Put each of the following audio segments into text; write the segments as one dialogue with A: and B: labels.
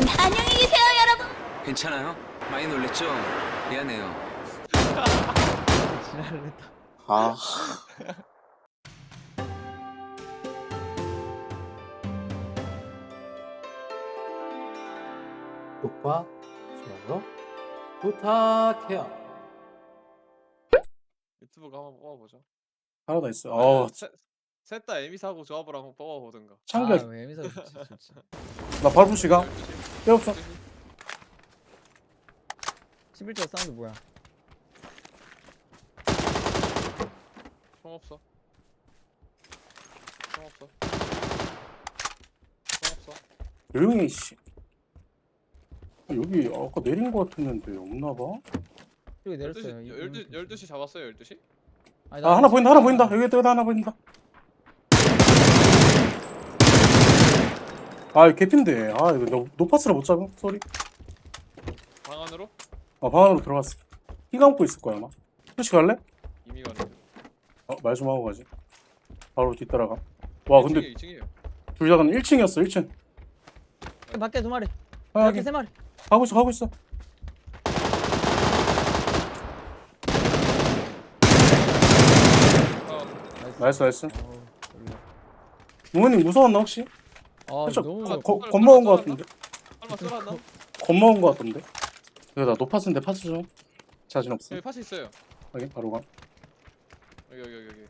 A: 안녕히 계세요, 여러분.
B: 괜찮아요? 많이 놀랬죠? 미안해요.
C: 지랄을 했다.
D: 아,
E: 구독과 좋아요 부탁해요.
F: 유튜브가 한번 뽑아보죠.
D: 하나 더 있어.
F: 셋다 에미 사고 조합을 한번 뽑아보든가.
D: 창결.
C: 아, 애미사 좋지, 좋지.
D: 나 발부 시간.
F: 12시?
D: 빼없어.
C: 11조 사운드 뭐야?
F: 총 없어. 총 없어. 총 없어.
D: 조용히 씨. 여기 아까 내린 거 같았는데 없나봐.
C: 여기 내렸어요.
F: 12시 잡았어요, 12시?
C: 아니,
D: 아, 하나 보인다, 하나 보인다. 여기 하나 보인다. 아, 이거 개핀데. 아, 이거 노파스를 못 잡음. 쏘리.
F: 방 안으로?
D: 방 안으로 들어갔어. 피 감고 있을 거야 아마. 혹시 갈래?
F: 이미 가는.
D: 말 좀 하고 가지. 바로 뒤따라가. 와, 근데
F: 2층이에요.
D: 둘 다는 1층이었어. 1층.
C: 밖에 두 마리.
D: 아,
C: 밖에
D: 여기
C: 세 마리.
D: 가고 있어. 나이스.
C: 놀래.
D: 부모님 무서웠나 혹시?
C: 아,
D: 살짝
C: 너무
D: 겁먹은 거 같은데.
F: 설마 쏠았나?
D: 겁먹은 거 같던데. 여기다 노파스인데 파스 좀. 자신 없어.
F: 여기 파스 있어요.
D: 여기 바로 가.
F: 여기.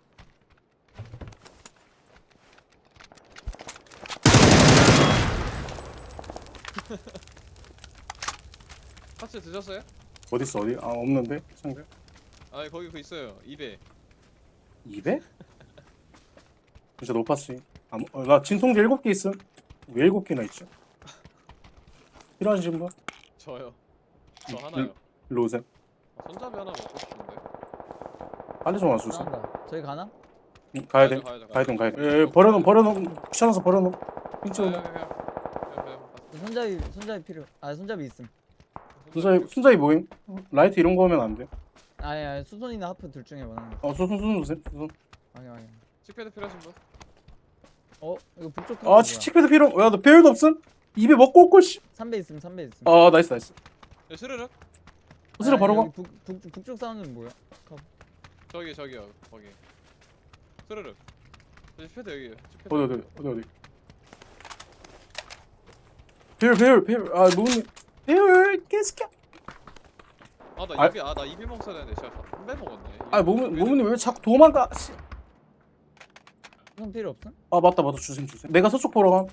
F: 파스 드셨어요?
D: 어딨어 어디? 아 없는데 상대.
F: 아 거기 그 있어요. 2배.
D: 200? 진짜 노파스. 나 진통제 7개 있음. 왜 7개나 있죠? 필요하신 분?
F: 저요. 저 하나요.
D: 일로 오세요.
F: 손잡이 하나 먹고 싶은데.
D: 빨리 좀 와주세요.
C: 나온다. 저기 가나?
D: 응, 가야 돼. 가야 돼. 예, 버려놓음. 귀찮아서 버려놓음. 핑찍어놓음.
C: 손잡이 필요. 아, 손잡이 있음.
D: 순자이 모임. 라이트 이런 거 하면 안 돼.
C: 아니, 수손이나 하프 둘 중에 원하는 거.
D: 수순 주세요. 수순.
C: 아니.
F: 칙패드 필요하신 분?
C: 이거 북쪽
D: 아, 칙패드 필요. 야, 너 배율도 없음? 입에 먹고 올걸 씨.
C: 3배 있음.
D: 아, 나이스.
F: 네, 스르륵?
D: 스스로 바로 가.
C: 여기 북쪽 사운드는 뭐야?
F: 저기요. 거기. 스르륵. 칙패드 여기에요. 칙패드.
D: 어디. 배율. 아, 누구니? 배율 개새끼야.
F: 나 2배 먹었어야 되는데 진짜 3배 먹었네.
D: 아, 모모님 왜 자꾸 도망가? 씨.
C: 수손 필요 없음?
D: 아, 맞다. 주세요. 내가 서쪽 보러 가.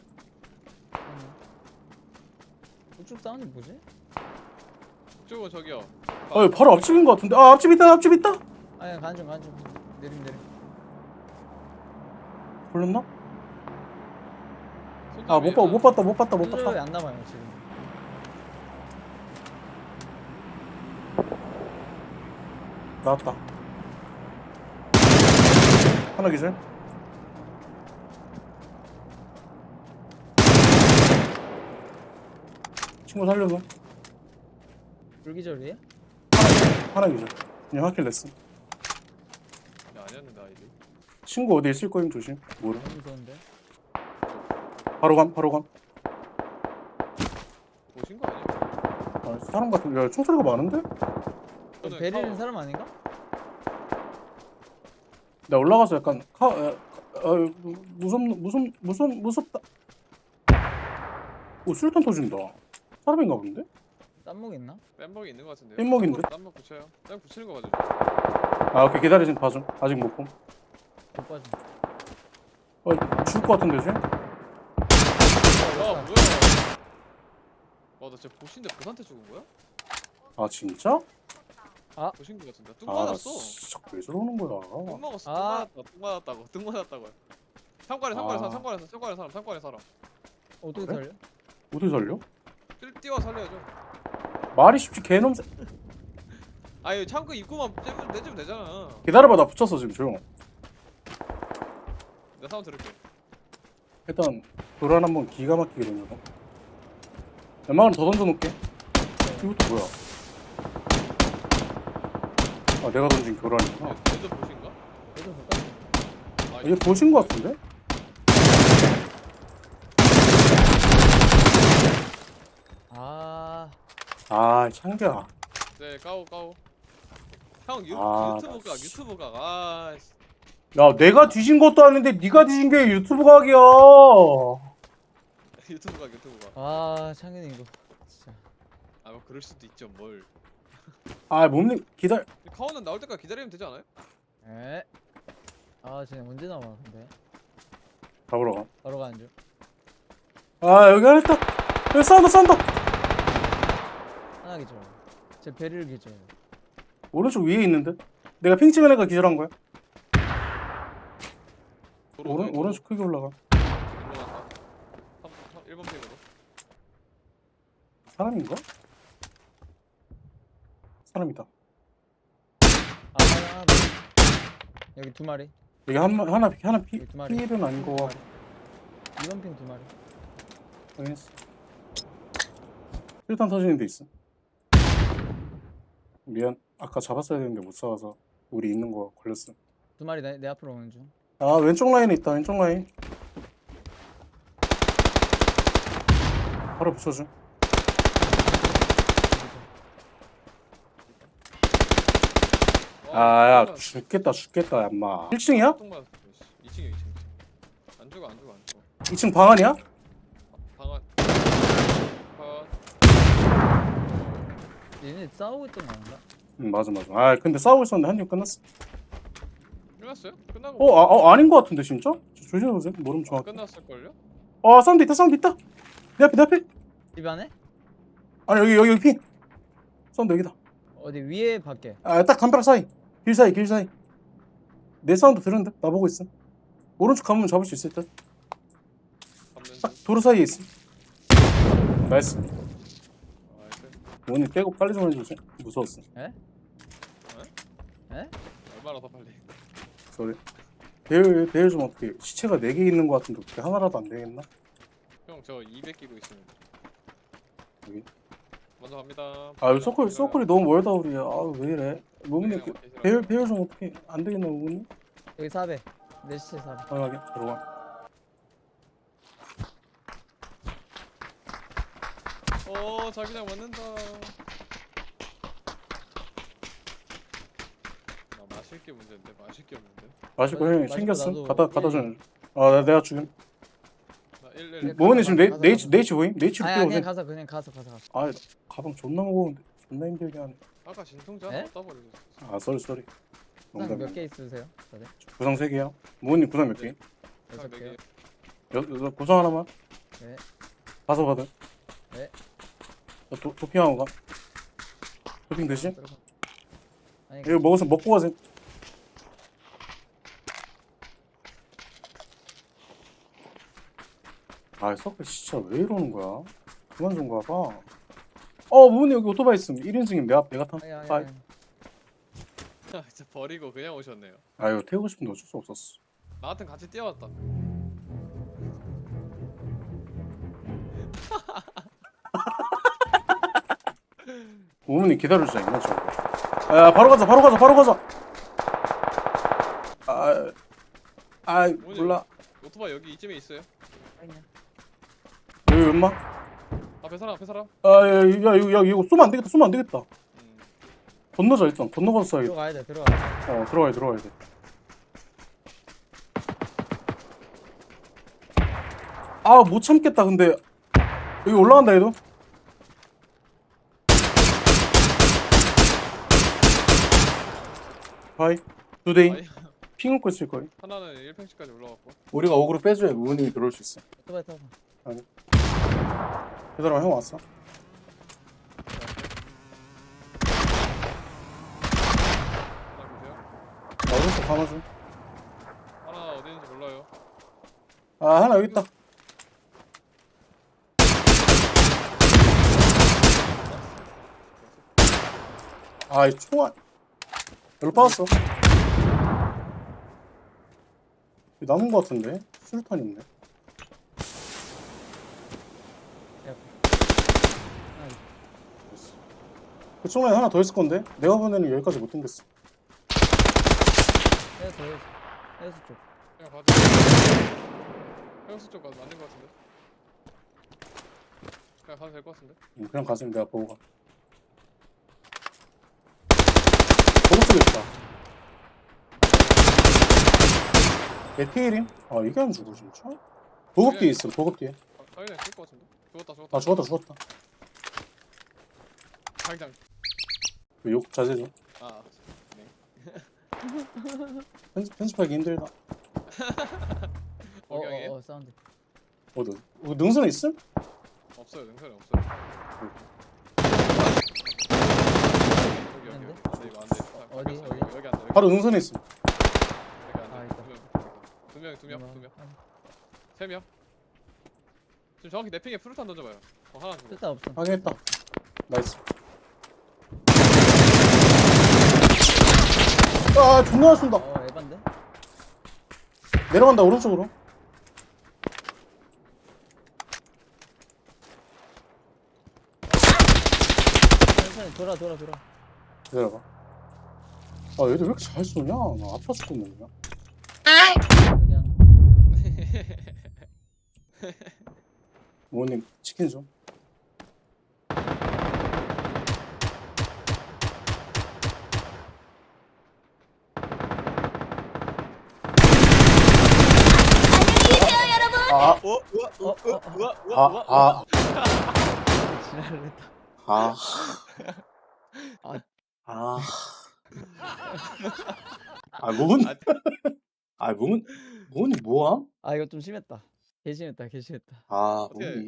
C: 북쪽 사운드 뭐지?
F: 그쪽은 저기요.
D: 바로 앞집인 거 같은데. 아, 앞집 있다.
C: 아니, 가는 중. 내림.
D: 걸렸나? 아, 못 봤다.
C: 수조에 안 남아요 지금.
D: 나왔다. 하나 기절. 친구 살려줘.
C: 불기절이에요?
D: 하나 기절. 그냥 하킬 냈어.
F: 아니었는데 아이디.
D: 친구 어디 있을 거임 조심. 모르.
C: 너무 무서운데.
D: 바로 감.
F: 보신 거 아니에요?
D: 아, 사람 같은. 야, 총소리가 많은데?
C: 베리는 사람 아닌가?
D: 나 올라가서 약간 무섭다. 오, 술탄 터진다. 사람인가 본데?
C: 딴목 있나?
F: 뺨먹이 있는 거 같은데요?
D: 뺨먹인데?
F: 뺨먹 붙여요. 뺨 붙이는 거 맞죠?
D: 아, 오케이. 기다려. 지금 봐줘. 아직 못 봄.
C: 못 빠져.
D: 죽을 것 같은데 쟤?
F: 뭐야? 나 진짜 보신데 보한테 죽은 거야?
D: 아, 진짜?
F: 보신 거 같은데. 뚝
D: 아,
F: 맞았어.
D: 진짜 왜 저러는 거야?
F: 뚝 먹었어.
C: 아.
F: 뚝 맞았다고요. 상관에 사람.
C: 어떻게
D: 그래?
C: 살려?
D: 어떻게 살려?
F: 뛰어 살려야죠.
D: 말이 쉽지 개놈.
F: 아니 창고 입구만 내주면 되잖아.
D: 기다려봐. 나 붙였어 지금 조용.
F: 내가 사운드 들을게.
D: 일단 도란 한번 기가 막히게 던져봐. 연막은 더 던져놓게. 이것도 뭐야? 아, 내가 던진 교란이구나.
F: 얘도 보신가?
C: 얘도 볼까?
D: 이게 보신 거 같은데? 아 창규야.
F: 네 까오 까오. 형
D: 아,
F: 유튜브 각 유튜브 각. 아 씨.
D: 야 내가 뒤진 것도 아닌데 네가 뒤진 게 유튜브 각이야.
F: 유튜브 각 유튜브 각.
C: 아 창현이 이거 진짜.
F: 아 뭐 그럴 수도 있죠 뭘.
D: 아 몸님 기다려.
F: 카오는 나올 때까지 기다리면 되지 않아요?
C: 에? 아 쟤네 언제 나와 근데?
D: 잡으러 가.
C: 바로 가는 중.
D: 아 여기 하나 있다. 여기 싸운다.
C: 하나 기절. 제 베릴 기절.
D: 오른쪽 위에 있는데. 내가 핑 찍은 애가 기절한 거야. 오른쪽 크게 올라가.
F: 1번 픽으로.
D: 사람인가? 사람이다.
C: 아 하나 더. 여기 두 마리.
D: 여기 하나
C: 여기 두 마리.
D: 필은 아닌 거 같고.
C: 이번 핑 두 마리.
D: 확인했어. 실탄 터지는 데 있어. 미안. 아까 잡았어야 되는데 못 잡아서 우리 있는 거 걸렸어.
C: 두 마리 내 앞으로 오는 중.
D: 아 왼쪽 라인에 있다. 왼쪽 라인. 바로 붙여줘. 아야 죽겠다 얌마. 1층이야?
F: 2층이야 2층. 안 죽어.
D: 2층 방 안이야?
F: 방안. 컷.
C: 얘네 싸우고 있던 거 아닌가?
D: 응 맞아. 아 근데 싸우고 있었는데 한 명 끝났어.
F: 끝났어요? 끝나고.
D: 아닌 거 같은데 진짜? 조심해보세요. 모르면 정확해.
F: 끝났을걸요?
D: 사운드 있다. 내 앞에.
C: 집 안에?
D: 아니 여기 핀. 사운드 여기다.
C: 어디 위에 밖에?
D: 딱 담벼락 사이. 길 사이. 내 사운드 들었는데? 나보고 있어. 오른쪽 가면 잡을 수 있을 듯.
F: 잡는
D: 딱
F: 중.
D: 도로 사이에 있어. 나이스.
F: 나이스.
D: 원이 떼고 빨리 좀 해주세요. 무서웠어.
C: 에?
F: 얼마나 더 빨리.
D: 소리. 배율 좀 어떻게 시체가 4개 있는 거 같은데 어떻게 하나라도 안 되겠나?
F: 형 저 200 끼고 있습니다.
D: 여기.
F: 먼저 갑니다.
D: 아 서클이 너무 멀다 우리. 왜 이래? 모모님
F: 네, 형,
D: 배율 좀 어떻게 안 되겠나 모모님?
C: 여기 4배. 내 시체 4배.
D: 당연하게 들어가.
F: 자기장 맞는다. 나 마실 게 문제인데 마실 게 없는데.
D: 마실 거 형이
C: 마실 거
D: 챙겼어?
C: 나도
D: 갖다 줘.
C: 일.
D: 내가 지금.
F: 나 111.
D: 모모님 지금
C: 가서,
D: 네이치 보임? 네이치로
C: 아니
D: 뛰어오세요.
C: 그냥 가서.
D: 아 가방 존나 무거운데 존나 힘들게 하네.
F: 아까 진통제
C: 에?
F: 하나 따버리고.
D: 쏘리.
C: 구상 몇개 있으세요? 다들?
D: 구상 3개야. 모모님 구상 몇 개?
C: 여섯
F: 네
C: 개요?
F: 개.
D: 구상 하나만.
C: 네.
D: 가서 받아.
C: 네.
D: 도핑하고 가. 도핑 대신?
C: 들어가. 아니
D: 이거 먹고 가세요. 서클 진짜 왜 이러는 거야? 그만 좀 가봐. 모모님 여기 오토바이 있음. 1인승임. 내가 탐.
C: 아니.
F: 진짜 버리고 그냥 오셨네요.
D: 이거 태우고 싶은데 어쩔 수 없었어.
F: 나 같은 같이 뛰어왔다.
D: 모모님 기다려주자. 이만 줘. 바로 가자. 몰라.
F: 오토바이 여기 이쯤에 있어요.
D: 여기 엄마?
F: 앞에 사람.
D: 야, 이거 쏘면 안 되겠다.
F: 음.
D: 건너자, 일단. 건너가서 쏴야겠다.
C: 들어가야 돼.
D: 들어가야 돼. 못 참겠다, 근데. 여기 올라간다, 얘도. 바이. 두데이.
F: 아니,
D: 핑 웃고 있을 거야.
F: 하나는 1팽씩까지 올라갔고.
D: 우리가 어그로 빼줘야 우은이 들어올 수 있어.
C: 오토바이 타고.
D: 그 사람 형 왔어?
F: 하나 보세요.
D: 오른쪽 감아줘.
F: 하나 어디 있는지 몰라요.
D: 하나 여기 있다. 이 총알. 여기로 빠졌어. 여기 남은 거 같은데? 수류탄 있네. 그쪽 라인 하나 더 있을 건데? 내가 보내는 여기까지 못 당겼어.
C: 해수 쪽.
F: 그냥 가자. 해영수 쪽 가서 맞는 것 같은데. 그냥 가도 될 것 같은데.
D: 그냥 가슴 내가 보고 가. 보급 쪽에 있다. 얘 피해림? 아 이게 안 죽어 진짜? 보급 뒤에 있어 보급 뒤에.
F: 당연히 쓸것 같은데. 죽었다.
D: 아 죽었다.
F: 당장.
D: 욕 자제 좀.
F: 아. 네.
D: 편집하기 힘들다.
F: 오경이
C: 사운드.
D: 어디? 능선에 있음?
F: 없어요. 능선이 없어요. 여기.
C: 있는데?
F: 근데 이거 안 돼.
C: 어디?
F: 여기 안 돼.
D: 바로 능선에 있음.
F: 여기 안
C: 아,
F: 돼.
C: 있다.
F: 두 명. 세 명. 지금 정확히 내 핑에 프루탄 던져봐요. 하나 주고.
C: 쓸데 없어.
D: 확인했다. 나이스. 아 존나 쏜다.
C: 에반데?
D: 내려간다 오른쪽으로.
C: 천천히 돌아.
D: 기다려봐. 아 얘들 왜 이렇게 잘 쏘냐? 나 아파 죽겠네 그냥.
C: 여기 한.
D: 부모님 치킨 좀. 아, 아,
C: 지랄을 했다.
D: 아,
C: 아.
D: 아, 아, 몸은, 아, 몸은 뭐함?
C: 아 이거 좀 심했다. 개 심했다.
D: 아,
F: 어떻게-
D: 몸이.